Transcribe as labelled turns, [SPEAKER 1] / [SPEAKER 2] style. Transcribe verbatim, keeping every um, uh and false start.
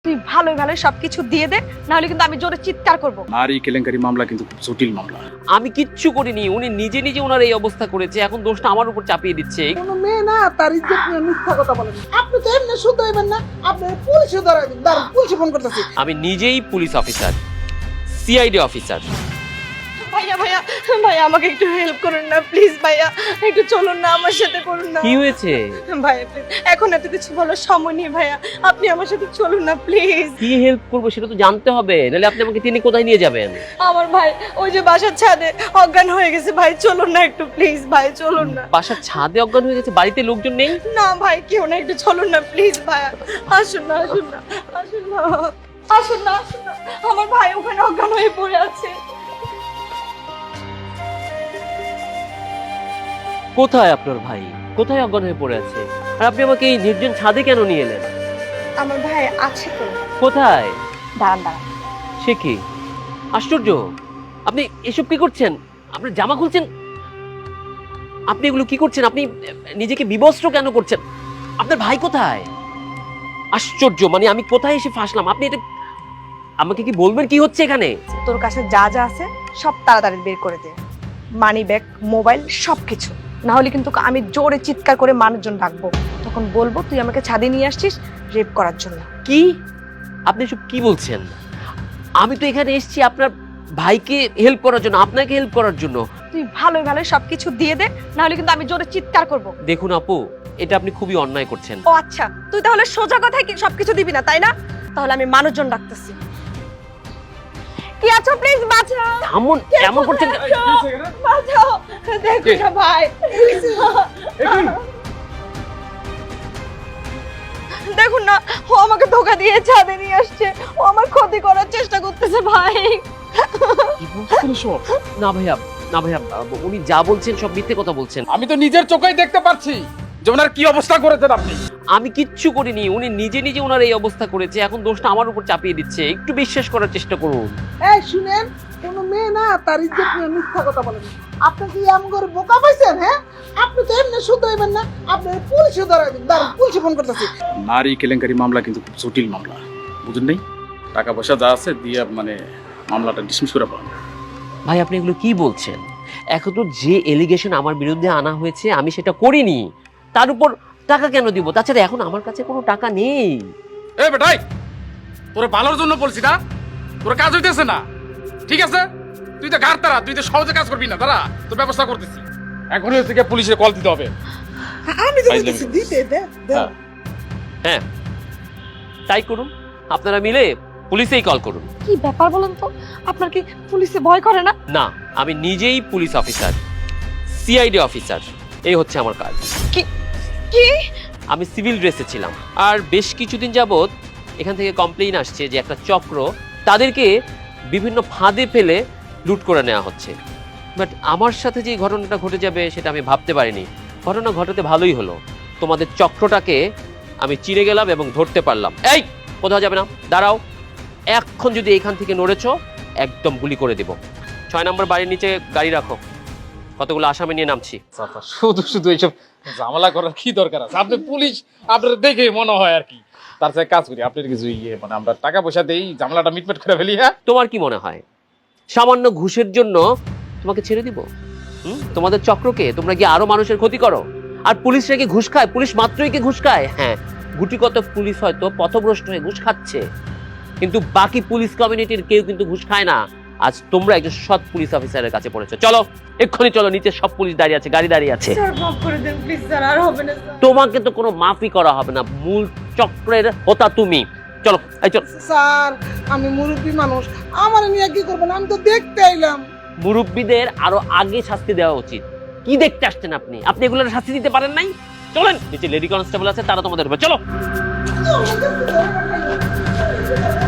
[SPEAKER 1] তুই ভালোই ভালোই সবকিছু দিয়ে দে, না হলে কিন্তু আমি জোরে চিৎকার করব।
[SPEAKER 2] নারী কেলেঙ্কারি মামলা কিন্তু খুব জটিল মামলা।
[SPEAKER 3] আমি কিচ্ছু করিনি, উনি নিজে নিজে ওনার এই অবস্থা করেছে, এখন দোষটা আমার উপর চাপিয়ে দিচ্ছে।
[SPEAKER 4] কোনো মেয়ে না তার ইজ্জত নিয়ে মিথ্যা কথা বলেন। আপনি তো এমনি শুদ্ধ হইবেন না, আপনি পুলিশে ধরাই দিন। দাঁড়ান, পুলিশে ফোন করতেছি।
[SPEAKER 3] আমি নিজেই পুলিশ অফিসার, সিআইডি অফিসার।
[SPEAKER 1] ভাইয়া ভাইয়া ভাইয়া আমাকে একটু হেল্প করুন না প্লিজ, ভাইয়া একটু চলুন না আমার সাথে, করুন না।
[SPEAKER 3] কি হয়েছে?
[SPEAKER 1] ভাইয়া প্লিজ, এখন এত কিছু বলার সময় নেই ভাইয়া, আপনি আমার সাথে চলুন না প্লিজ।
[SPEAKER 3] কি হেল্প করবো সেটা তো জানতে হবে, নাহলে আপনি আমাকে তিনি কোথায় নিয়ে যাবেন?
[SPEAKER 1] আমার ভাই ওই যে বাসার ছাদে অজ্ঞান হয়ে গেছে, ভাই চলুন না একটু প্লিজ, ভাই চলুন না।
[SPEAKER 3] বাসার ছাদে অজ্ঞান হয়ে গেছে, বাড়িতে লোকজন নেই?
[SPEAKER 1] না ভাই কেউ না, একটু চলুন না প্লিজ ভাইয়া, আসুন না আসুন না আসুন না আসুন না আসুন না, আমার ভাই ওখানে অজ্ঞান হয়ে পড়ে আছে।
[SPEAKER 3] কোথায় আপনার ভাই? কোথায় অজ্ঞান হয়ে পড়ে আছে? আর আপনি আমাকে এই নির্জন ছাদে কেন নিয়ে এলেন?
[SPEAKER 1] আমার ভাই আছে তো।
[SPEAKER 3] কোথায়?
[SPEAKER 1] দাঁড়ান দাঁড়ান,
[SPEAKER 3] সে কি আশ্চর্য! আপনি এসব কি করছেন? আপনার জামা খুলছেন, আপনি এগুলো কি করছেন? আপনি নিজেকে বিবস্ত্র কেন করছেন? আপনার ভাই কোথায়? আশ্চর্য, মানে আমি কোথায় এসে ফাঁসলাম? আপনি এটা আমাকে কি বলবেন কি হচ্ছে এখানে?
[SPEAKER 1] তোর কাছে যা যা আছে সব তাড়াতাড়ি বের করে দে, মানি ব্যাগ, মোবাইল, সবকিছু, না হলে কিন্তু আমি জোরে চিৎকার করে মানুষজন ডাকবো, তখন বলবো তুই আমাকে ছাদে নিয়ে আসছিস রেপ করার জন্য।
[SPEAKER 3] কি আপনি সব কি বলছেন? আমি তো এখানে এসেছি আপনার ভাইকে হেল্প করার জন্য, আপনাকে হেল্প করার জন্য।
[SPEAKER 1] তুই ভালোই ভালোই সবকিছু দিয়ে দে, না হলে কিন্তু আমি জোরে চিৎকার করব।
[SPEAKER 3] দেখুন আপু, এটা আপনি খুবই অন্যায় করছেন।
[SPEAKER 1] ও আচ্ছা, তুই তাহলে সোজা কথায় কি সবকিছু দিবি না তাই না? তাহলে আমি মানুষজন ডাকতেছি। কি আছো প্লিজ বাঁচাও,
[SPEAKER 3] এমন এমন করছেন কেন?
[SPEAKER 1] বাঁচাও, দেখো না ভাই, দেখুন না ও আমাকে ধোকা দিয়ে ছাদে নিয়ে আসছে, ও আমার ক্ষতি করার চেষ্টা করতেছে ভাই।
[SPEAKER 2] কি বলছেন সব?
[SPEAKER 3] না ভাইয়া, না ভাইয়া, উনি যা বলছেন সব মিথ্যে কথা বলছেন।
[SPEAKER 2] আমি তো নিজের চোখেই দেখতে পাচ্ছি যে ওনার কি অবস্থা করেছেন আপনি।
[SPEAKER 3] আমি কিচ্ছু করিনি, উনি নিজে নিজে ওনার এই অবস্থা করেছে, এখন দোষটা আমার উপর চাপিয়ে দিচ্ছে। একটু বিশ্বাস করার চেষ্টা করুন।
[SPEAKER 4] এই শুনেন, কোনো মেয়ে না তার ইজ্জত নিয়ে মিথ্যা কথা বলেন। আপনি কি এমন করে বোকা পাইছেন? হ্যাঁ, আপনি তো এমনি শুদ্ধ হইবেন না, আপনি পুলিশে ধরাই দিন। দাঁড়ান, পুলিশে ফোন করতেছি।
[SPEAKER 2] নারী কেলেঙ্কারি মামলা কিন্তু খুব জটিল মামলা, বুঝেন নাই? টাকা পয়সা যা আছে দিয়ে মানে মামলাটা ডিসমিস করে পাবেন।
[SPEAKER 3] ভাই আপনি এগুলো কি বলছেন? এখন তো যে এলিগেশন আমার বিরুদ্ধে আনা হয়েছে আমি সেটা করিনি, তার উপর টাকা কেন দিব? তাছাড়া এখন আমার কাছে কোনো টাকা নেই।
[SPEAKER 2] এ বেটাই, তোরে ভালোর জন্য বলছি না, তোর কাজ হইতেছে না, ঠিক আছে? তুই তো গার তারা, তুই তো সহজে কাজ করবি না, তারা তোর ব্যবস্থা করতেছি। এখন হচ্ছে গিয়ে পুলিশে কল দিতে হবে।
[SPEAKER 4] আমি তো বলতেছি দিতে দে, দে।
[SPEAKER 2] হ্যাঁ।
[SPEAKER 3] হ্যাঁ তাই করুন, আপনারা মিলে পুলিশেই কল করুন।
[SPEAKER 1] কি ব্যাপার বলেন তো, আপনার কি পুলিশে ভয় করে না?
[SPEAKER 3] না, আমি নিজেই পুলিশ অফিসার, সিআইডি অফিসার, এই হচ্ছে আমার কাজ।
[SPEAKER 1] কি কি
[SPEAKER 3] আমি সিভিল ড্রেসে ছিলাম, আর বেশ কিছুদিন যাবত এখান থেকে কমপ্লেইন আসছে যে একটা চক্র তাদেরকে বিভিন্ন ফাঁদে ফেলে লুট করে নেওয়া হচ্ছে। বাট আমার সাথে যে ঘটনাটা ঘটে যাবে সেটা আমি ভাবতে পারিনি। ঘটনা ঘটাতে ভালোই হলো, তোমাদের চক্রটাকে আমি চিনে গেলাম এবং ধরতে পারলাম। এই কোথাও যাবে না, দাঁড়াও, এখন যদি এখান থেকে নড়েছো একদম গুলি করে দেব। ছয় নম্বর বাড়ির নিচে গাড়ি রাখো, কতগুলো আসামি নিয়ে নামছি।
[SPEAKER 2] শুধু শুধু এইসব ঝামেলা করার কি দরকার আছে? আপনি পুলিশ, আপনার দেখে মনে হয় আর কি। তার সাথে কাজ করি, আপনার কিছু ইয়ে মানে আমরা টাকা পয়সা দেই, ঝামেলাটা মিটমেট করে ফেলি। হ্যাঁ,
[SPEAKER 3] তোমার কি মনে হয় সামান্য ঘুষের জন্য তোমাকে ছেড়ে দিব? হুম, তোমাদের চক্রকে তোমরা কি আরো মানুষের ক্ষতি করো? আর পুলিশরা কি ঘুষ খায়? পুলিশ মাত্রই কি ঘুষ খায়? হ্যাঁ, গুটিকত পুলিশ হয়তো পথভ্রষ্ট হয়ে ঘুষ খাচ্ছে, কিন্তু বাকি পুলিশ কমিউনিটির কেউ কিন্তু ঘুষ খায় না। আজ তোমরা একজন সৎ পুলিশ অফিসারের কাছে পড়েছো, চলো এক্ষুনি চলো, নিচে সব পুলিশ দাঁড়িয়ে আছে, গাড়ি দাঁড়িয়ে আছে।
[SPEAKER 1] স্যার মাফ করে দেন প্লিজ স্যার, আর হবে না স্যার।
[SPEAKER 3] তোমাকে তো কোনো মাফি করা হবে না, মূল চক্রের হোতা তুমি। চলো, এই চলো।
[SPEAKER 4] স্যার, আমি মুরব্বী মানুষ, আমার নিয়ে কি করবেন? আমি তো দেখতে আইলাম।
[SPEAKER 3] মুরব্বীদের আরো আগে শাস্তি দেওয়া উচিত। কি দেখতে আসছেন আপনি? আপনি এগুলোর শাস্তি দিতে পারেন নাই? চলেন, নিচে লেডি কনস্টেবল আছে, তারা তোমাদের হবে, চলো।